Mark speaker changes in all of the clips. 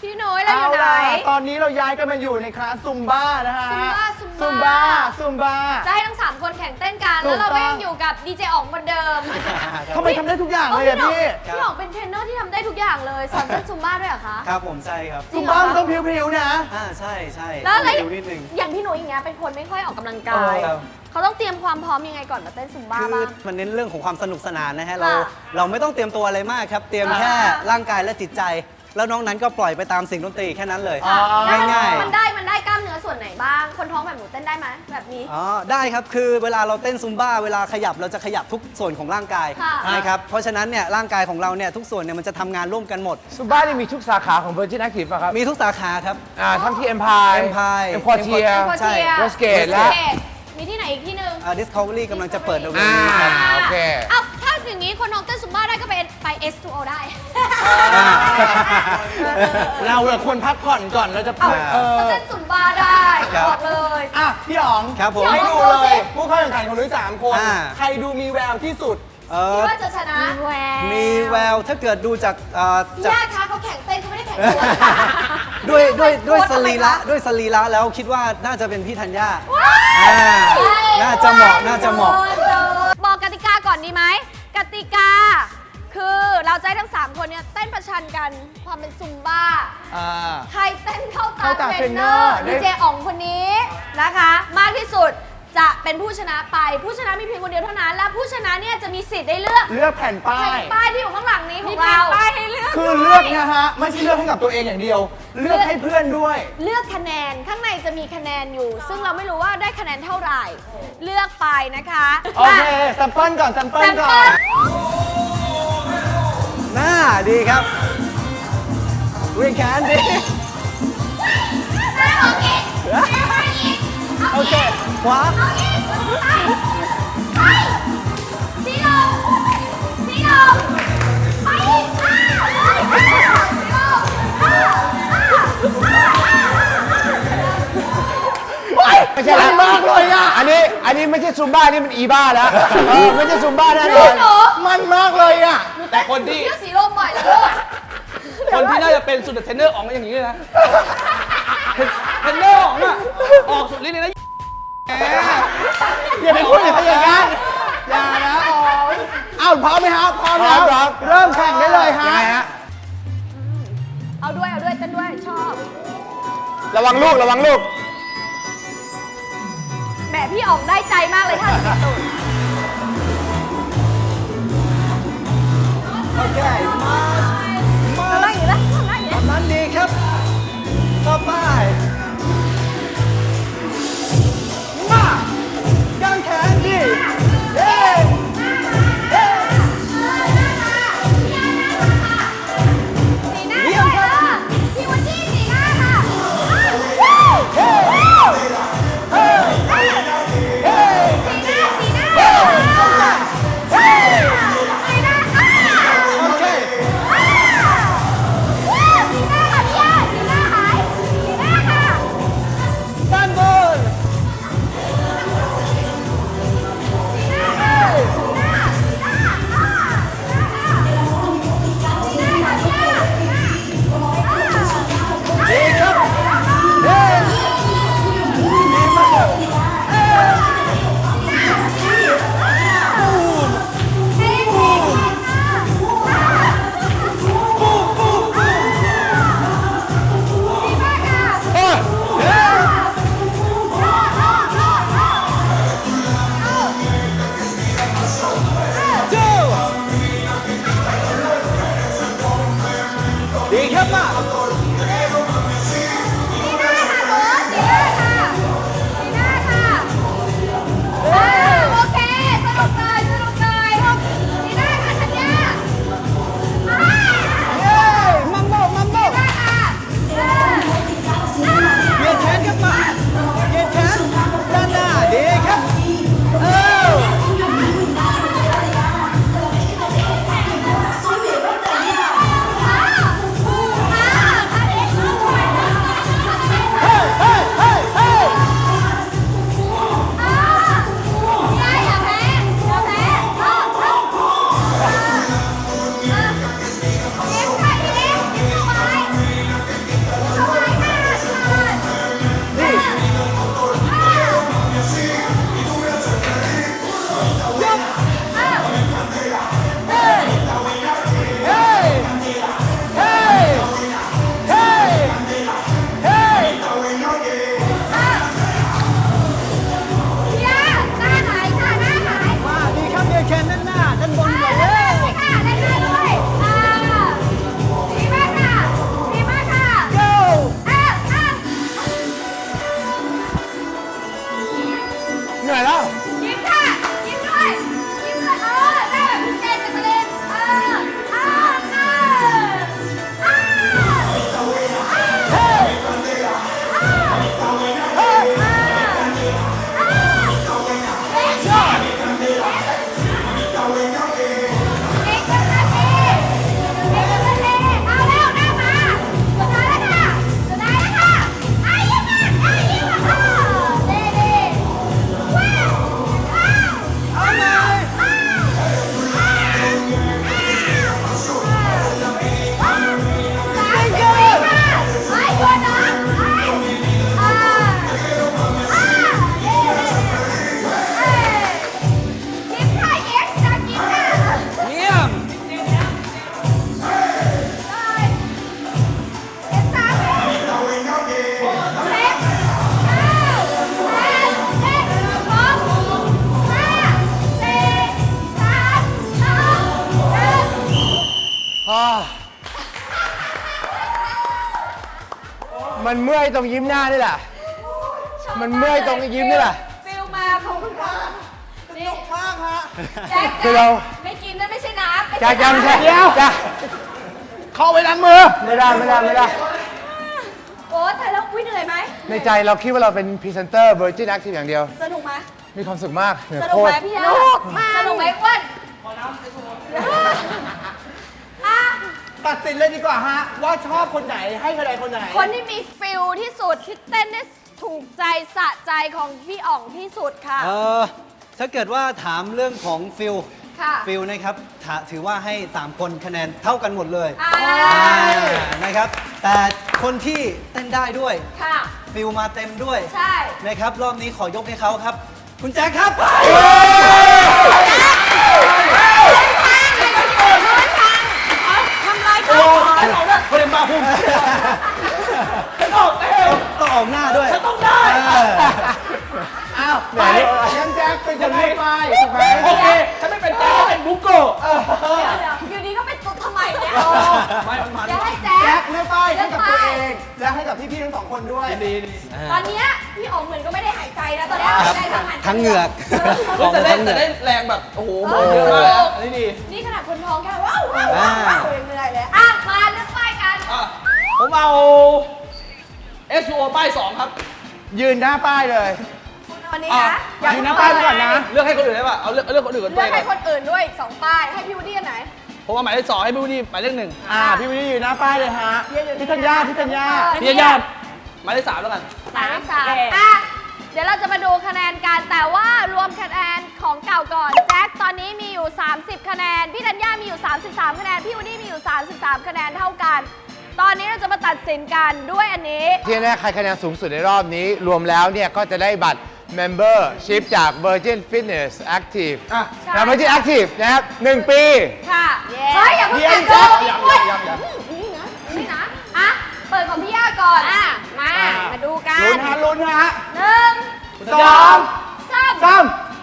Speaker 1: พี่น้อยเราอยู่ไหน
Speaker 2: ตอนนี้เราย้ายกันมาอยู่ในคลาสซุมบ้านะฮะซุมบ้า
Speaker 1: จะให้ทั้ง3คนแข่งเต้นกันแล้วเราก็ยังอยู่กับดีเจอ๋องเหมือนเดิม
Speaker 2: ทำไมทำได้ทุกอย่างเลยอะพี่
Speaker 1: อ๋องเป็นเทรนเนอร์ที่ทำได้ทุกอย่างเลยสอนเต้นซุมบ้าด้วยเหรอคะ
Speaker 3: ครับผมใช่ครับ
Speaker 2: ซุมบ้ามันต้องพริ้วๆนะ
Speaker 3: ใช่
Speaker 1: แล้วอะไร
Speaker 3: นิดนึง
Speaker 1: อย่างพี่หนุ่ยอย่างเงี้ยเป็นคนไม่ค่อยออกกำลังกายเขาต้องเตรียมความพร้อมยังไงก่อนมาเต้นซุมบ้าบ้าง
Speaker 3: มันเน้นเรื่องของความสนุกสนานนะฮะเราไม่ต้องเตรียมตัวอะไรมากครับเตรียมแค่ร่างกายและจิตใจแล้วน้องนั้นก็ปล่อยไปตามเสียงดนตรีแค่นั้นเลยง่าย
Speaker 1: ๆมันได้กล้ามเนื้อส่วนไหนบ้างคนท้องแบบหนูเต้นได้ไหมแบบนี้
Speaker 3: ได้ครับคือเวลาเราเต้นซุมบ้าเวลาขยับเราจะขยับทุกส่วนของร่างกายนะครับเพราะฉะนั้นเนี่ยร่างกายของเราเนี่ยทุกส่วนเนี่ยมันจะทำงานร่วมกันหมด
Speaker 2: ซุมบ้านี่มีทุกสาขาของ Virgin Active ป่ะครับ
Speaker 3: มีทุกสาขาครับ
Speaker 2: ทั้งที่ Empire Quartier Westgate และ
Speaker 1: มีที่ไหนอีกที่หนึ่ง
Speaker 3: Discovery กำลังจะเปิดเร็วๆนี้ครับ
Speaker 2: โอเค
Speaker 1: ถ้าอย่างนี้คนน้องเต้นซุมบ้าได้ก็ไป S2O ได้
Speaker 2: เราควรพักผ่อนก่อนเราจะ
Speaker 1: เต้นซุมบ้าได้บอกเลย
Speaker 2: พี่อ๋องให้ดูเลยผู้เข้าแข่งขันของนุ้ย3 คนใครดูมีแววที่สุด
Speaker 1: คิดว่าจะชนะ
Speaker 3: มีแววถ้าเกิดดูจาก
Speaker 1: ญาติคะเขาแข่งเต้นเขาไม่ได้แข่งตัว
Speaker 3: ด้วยสรีระแล้วคิดว่าน่าจะเป็นพี่ธัญญาน่าจะเหมาะ
Speaker 1: บอกกติกาก่อนดีไหมกติกาคือเราจะให้ทั้ง3คนเนี่ยเต้นประชันกันความเป็นซุมบ้าใครเต้นเข้าตาเทรนเนอร์ดีเจอ๋องคนนี้นะคะมากที่สุดจะเป็นผู้ชนะไปผู้ชนะมีเพียงคนเดียวเท่านั้นและผู้ชนะเนี่ยจะมีสิทธิ์ได้เลือก
Speaker 2: แผ่นป้
Speaker 1: ายที่อยู่ข้างหลังนี้ของเราป้ายให้เลือก
Speaker 2: คือเลือกนะฮะไม่ใช่เลือกให้กับตัวเองอย่างเดียวเลือกให้เพื่อนด้วย
Speaker 1: เลือกคะแนนข้างในจะมีคะแนนอยู่ซึ่งเราไม่รู้ว่าได้คะแนนเท่าไหร่เลือกไปนะคะ
Speaker 2: โอเคแซมเปิลก่อน
Speaker 3: น่าดีครับวิ่งแขนดีโอเคขวา
Speaker 1: สีลงไป
Speaker 2: ไม่ใช่แล้วมากเลยอ่ะอันนี้ไม่ใช่ซุมบ้านี่มันอีบ้าแล้วไม่ใช่ซุมบ้าแน่นอนมันมากเลยอ่ะ
Speaker 4: แต่คนที่
Speaker 1: สีลมบ่อยแล้ว
Speaker 4: คนที่น่าจะเป็นสุดเทรนเนอร์ออกมาอย่างนี้เลยนะเทรนเนอร์ออกน่ะออกสุดฤทธิ์เลยนะ
Speaker 2: อย่าไปพูดอย่างนั้นอย่านะพร้อมไหมครับพร้อมแล้วเริ่มแข่งได้เลยฮะ
Speaker 1: เอาด้วยเต้นด้วยชอบ
Speaker 2: ระวังลูก
Speaker 1: แหมพี่อ๋องได้ใจมากเลยท่านตูน
Speaker 3: โอเคมา
Speaker 1: อะไรอยู่แล้ว
Speaker 3: นั้นดีครับต่อไปมากางแขนดี
Speaker 1: สีหน้าค่ะพี่วันจี้สีหน้าค่ะ
Speaker 2: มันเมื่อยตรงยิ้มหน้านี่แหละ มันเมื่อยตรงยิ้มนี่แหละ
Speaker 1: ฟิลมาของคุณพ่อสนุกมากฮะ
Speaker 2: คือเรา
Speaker 1: ไม่กินนั่นไม่ใช่น้ำ
Speaker 2: จะยังใช่จะเข้าไปล้างมือ ไม่ได้
Speaker 1: โอ้แต่แล้วอุ้ยเหนื่อยไหม
Speaker 2: ในใจเราคิดว่าเราเป็นพรีเซนเตอร์ Virgin Active อย่างเดียว
Speaker 1: สนุกไหม
Speaker 2: มีความสุขมากเหนื่อย
Speaker 1: ส
Speaker 2: โค
Speaker 1: นุก
Speaker 2: ต
Speaker 1: ไหม
Speaker 2: ร
Speaker 1: พี่ยาสนุกไหมอ้วนอ่ะ
Speaker 5: ตัดสินเลยดีกว่าฮะ ว่าชอบคนไหนให้คะแนนคนไหน
Speaker 1: คนที่มีฟิลที่สุดที่เต้นได้ถูกใจสะใจของพี่อ๋องที่สุดค่ะ
Speaker 3: ถ้าเกิดว่าถามเรื่องของฟิล
Speaker 1: ค่ะ
Speaker 3: ฟิลนะครับถือว่าให้ 3 คนคะแนนเท่ากันหมดเลย
Speaker 1: อ่า
Speaker 3: นะครับ แต่คนที่เต้นได้ด้วย
Speaker 1: ค่ะ
Speaker 3: ฟิลมาเต็มด้วย
Speaker 1: ใช่
Speaker 3: นะครับ รอบนี้ขอยกให้เขาครับ คุณแจ็คครับ
Speaker 1: ทำลายเขา
Speaker 4: คนเล่นบ้าพุ่งฉันออกเร็ว
Speaker 3: ต้องออกหน้าด้วย
Speaker 4: ฉันต้องได้
Speaker 5: อ้าวไปยังแจ็คเป็นคนไม่ไปถูกไหม
Speaker 4: โอเค ฉันไม่เป็นแจ๊คเป็นบุกโกะ
Speaker 1: อยู่ดีก็เป็นตุ๊ดทำไมเนี่ย
Speaker 4: ไม่มัน
Speaker 1: อย่าให้แจ๊
Speaker 5: แจ็
Speaker 1: ค
Speaker 5: คไม่ไปให้กับตัวเองและให้กับพี่ๆทั้งสองคนด้วย
Speaker 4: ดี
Speaker 1: ตอนเนี้ยพี่อ๋องเหมือนก็ไม่ได้หายใจนะตอนเนี้ย
Speaker 3: ครับ
Speaker 1: ได้ทั้งหัน
Speaker 3: ทั้งเหงือก
Speaker 4: แต่ได้แรงแบบ โอ้โหโบเยอะมากนะอันนี้ดี
Speaker 1: นี่ขนาดคนท้องแค่ว้าวยังเหนื่อยเลยอ่ะมาเลือกป้ายกัน
Speaker 4: อ่ะผมเอา SUO ป้าย 2 ครับ
Speaker 5: ยืนหน้าป้ายเลย
Speaker 1: วันนี้
Speaker 4: อ่ะ
Speaker 1: นะ
Speaker 5: ยืนหน้าป้ายก่อนนะ
Speaker 4: เลือกให้คนอื่นได้ป่ะ เอาเลือกคนอื่นก่อน
Speaker 1: เลื
Speaker 4: ตั
Speaker 1: อ
Speaker 4: ว
Speaker 1: ก
Speaker 4: เอง
Speaker 1: ให้
Speaker 4: ก่
Speaker 1: ค
Speaker 4: อน
Speaker 1: นอื่นด้วย2ป้ายให้พี่วูดดี้อันไหน
Speaker 4: ผมว่าหมายเลข 2ให้พี่วูดดี้หมายเลข
Speaker 5: พี่วินนี่ยืนหน้าป้ายเลยฮะพี่ธัญญา
Speaker 4: 1พี่ญาติหมายเลข 3แล้วกัน
Speaker 1: หมายเลข3อ่ะเดี๋ยวเราจะมาดูคะแนนกันแต่ว่ารวมคะแนนของเก่าก่อนแจ็คตอนนี้มีอยู่ 30 คะแนนพี่ธัญญามีอยู่ 33 คะแนนพี่วูดดี้มีอยู่ 33 คะแนนเท่ากัน ตอนนี้เราจะมาตัดสินกันด้วยอันนี้
Speaker 2: ที่แน่ใครคะแนนสูงสุดในรอบนี้ รวมแล้วเนี่ยก็จะได้บัตร Membership จาก Virgin Fitness Active
Speaker 4: อ่ะ
Speaker 2: นะ Virgin Active นะครับ 1 ปี
Speaker 1: ค่ะเฮ้ยอย่าเพิ่งแต่งตัวนี่นะนี่นะอ่ะเปิดของพี่ย่าก่อนอ่ะมาดูกัน
Speaker 5: ลุ้นฮะ
Speaker 1: 1
Speaker 5: สอง
Speaker 1: 3
Speaker 5: สาม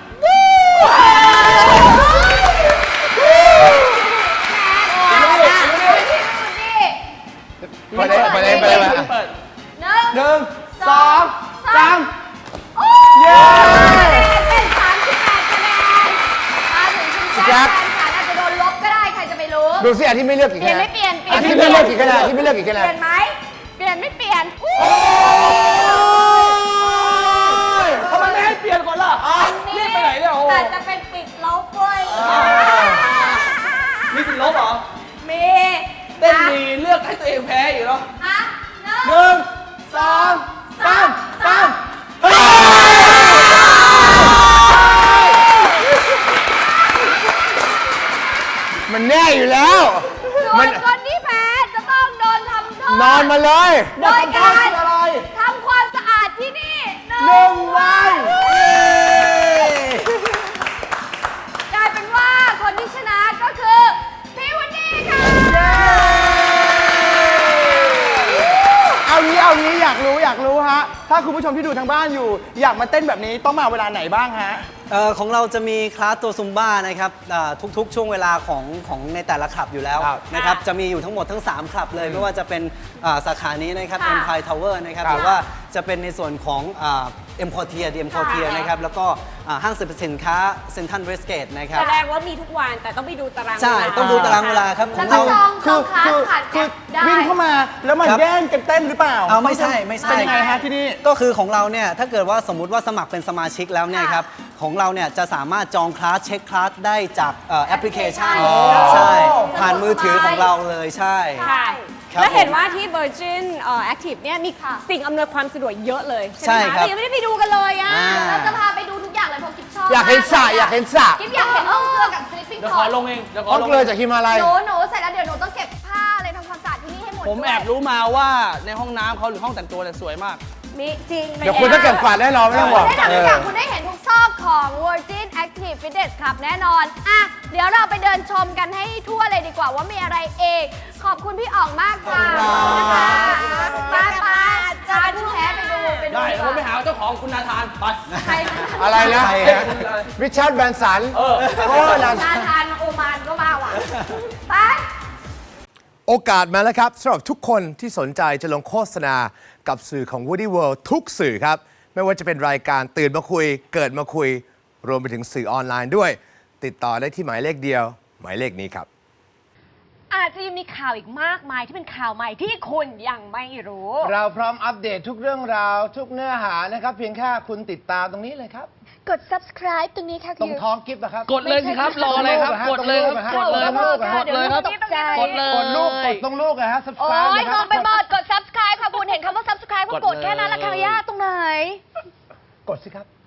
Speaker 2: ไปเลย
Speaker 4: เปิด
Speaker 5: หนึ่งสองสาม
Speaker 1: เย้เป็น38คะแนนมาถึงคุณแจ็คแฟนฉันอาจจะโดนลบก็ได้ใครจะไปรู้
Speaker 2: ดูสิอันที่ไม่เลือกกี่
Speaker 1: เปลี่
Speaker 2: คะ
Speaker 1: ยน
Speaker 2: แน
Speaker 1: ไม่
Speaker 2: น
Speaker 1: เปลี่ยน
Speaker 2: อันที่ไม่เลือกกี่คะแนนที่ไม่เลือกกี่คะแน
Speaker 1: เป
Speaker 2: น
Speaker 1: ลี่ยนไหมเปลี่ยนไม่เปลี่ยน
Speaker 4: ทำไมไม่ให้เปลี่ยนก่อนล่ะรีบไปไหนเนี่ยโอ้
Speaker 1: แต่จะเป็นปิดลบเว้ย
Speaker 4: มีสิทธิ์ลบเหรอ
Speaker 1: มี
Speaker 4: เต้นดีเลือกให้ตัวเองแพ้อยู่เนาะ
Speaker 1: อ่ะ
Speaker 5: หนึ่งสองสามสาม
Speaker 2: มันแน่อยู่แล้ว
Speaker 1: ส่วนคนที่แพ้จะต้องโดนทำโทษ
Speaker 2: นอนมาเลย
Speaker 1: โดยการ
Speaker 5: อะไร
Speaker 1: ทำความสะอาดที่นี่
Speaker 5: หนึ่งวัน
Speaker 1: กลายเป็นว่าคนที่ชนะก็คือพี่วันนี้ค่ะ
Speaker 5: เอางี้อยากรู้ฮะ ถ้าคุณผู้ชมที่ดูทางบ้านอยู่ อยากมาเต้นแบบนี้ต้องมาเวลาไหนบ้างฮะ
Speaker 3: ของเราจะมีคลาสตัวซุมบ้านะครับทุกๆช่วงเวลาของในแต่ละคลับอยู่แล้ว
Speaker 2: ครับ
Speaker 3: นะครับจะมีอยู่ทั้งหมดทั้ง 3 คลับเลย ไม่ว่าจะเป็นสาขานี้นะครับ
Speaker 1: ค่ะ
Speaker 3: Empire Tower นะครับ
Speaker 2: ครับ
Speaker 3: หรือว่าจะเป็นในส่วนของเอ็มพอร์เทียนะครับแล้วก็ห้างสรรพสินค้าเซ็นทรัลเวสเกตนะครับ
Speaker 6: แสดงว่ามีทุกวันแต่ต้องไปดูตาราง
Speaker 3: ใช่
Speaker 6: เวลา
Speaker 3: ต้องดูตารางเวลาครับข
Speaker 1: แล้
Speaker 3: อ
Speaker 1: ว
Speaker 3: ง
Speaker 1: ก็
Speaker 3: เรา
Speaker 1: จองคลาสผ่านแอปได้
Speaker 5: วิ่งเข้ามาแล้วมา
Speaker 3: ครับ
Speaker 5: แย่งกันเต้นหรือเปล่า
Speaker 3: เอาไม่ใช่ไม่ใช่
Speaker 5: เป็นยังไงฮะที่นี่
Speaker 3: ก็คือของเราเนี่ยถ้าเกิดว่าสมมุติว่าสมัครเป็นสมาชิกแล้วเนี่ยครับของเราเนี่ยจะสามารถจองคลาสเช็คคลาสได้จากแอปพลิเคชัน
Speaker 1: อ๋อ
Speaker 3: ใช่ผ่านมือถือของเราเลยใช่
Speaker 6: ค่ะ
Speaker 3: ครับ
Speaker 6: แล้วเห็นว่าที่ Virgin Active เนี่ยมีสิ่งอำนวยความสะดวกเยอะเลย
Speaker 3: ใช่
Speaker 6: ไหม
Speaker 3: ครั
Speaker 6: คะ
Speaker 3: บ
Speaker 6: แต่ยังไม่ได้ไปดูกันเลยอ่ะ
Speaker 1: เราจะพาไปดูทุกอย่างเลยเพราะกิ๊บชอบ
Speaker 2: อยากเห็นสระอยากเห็นสระ
Speaker 1: กิ๊บอยากเห็นห้องเครื่องกับ sleeping
Speaker 4: เดี๋ยว
Speaker 1: pod
Speaker 4: ขอลงเองเดี๋ยวขอ
Speaker 2: ห้อง
Speaker 4: ลง
Speaker 2: เกลือจากฮิมาลัย
Speaker 1: หนูเสร็จแล้วเดี๋ยวหนูต้องเก็บผ้าอะไรทำความสะอาดที่นี่ให้หมด
Speaker 4: ผม
Speaker 1: ด้วย
Speaker 4: แอบรู้มาว่าในห้องน้ำเขาหรือห้องแต่งตัวเนี่ยสวยมาก
Speaker 1: มีจริง
Speaker 2: เดี๋ยวคุณต้องเก็บกวาดแน่นอนไม่ต้องบอก
Speaker 1: ได้ทำทุกอย่างคุณได้เห็นทุกซอกของ Virgin Active Fitness Club แน่นอนอ่ะเดี๋ยวเราไปเดินชมกันให้ทั่วเลยดีกว่าว่ามีอะไรเองขอบคุณพี่อ๋องมากค่ะนะคะป้าจะเป็นผู้แพ้ไปดู
Speaker 4: ได้แล้วผมไปหาเจ้าของคุณนาธานไป
Speaker 1: ใคร
Speaker 2: อะไรนะ
Speaker 3: ใครฮะ
Speaker 2: ริชาร์ดแบรนสัน
Speaker 4: เออ
Speaker 2: โอ้นั่น
Speaker 1: นาธานโอมานก็มาว่ะไป
Speaker 7: โอกาสมาแล้วครับสำหรับทุกคนที่สนใจจะลงโฆษณากับสื่อของ Woody World ทุกสื่อครับ ไม่ว่าจะเป็นรายการตื่นมาคุย เกิดมาคุย รวมไปถึงสื่อออนไลน์ด้วย ติดต่อได้ที่หมายเลขเดียว หมายเลขนี้ครับ
Speaker 8: อาจจะยังมีข่าวอีกมากมายที่เป็นข่าวใหม่ที่คุณยังไม่รู้
Speaker 2: เราพร้อมอัปเดตทุกเรื่องราวทุกเนื้อหานะครับ เพียงแค่คุณติดตามตรงนี้เลยครับ
Speaker 1: กด subscribe ตรงนี้ค่ะ
Speaker 2: ตรงท้องกิฟต์นะครับ
Speaker 4: กดเลยสิครับ รออะไรครับ กดเลยครับ กดเลยครับ กดเลยครับ
Speaker 1: ตกใจ
Speaker 4: กดเลย
Speaker 2: กดลูกกดตรงลูกนะฮะ
Speaker 1: โอ้
Speaker 2: subscribe
Speaker 1: ย
Speaker 2: นะ
Speaker 1: ง
Speaker 2: ครั
Speaker 1: งไปหมด กด subscribe ค่ะคุณเห็นคำว่า subscribe ก็กดแค่นั้นละค่ะย่าตรงไหน
Speaker 2: กดสิครับ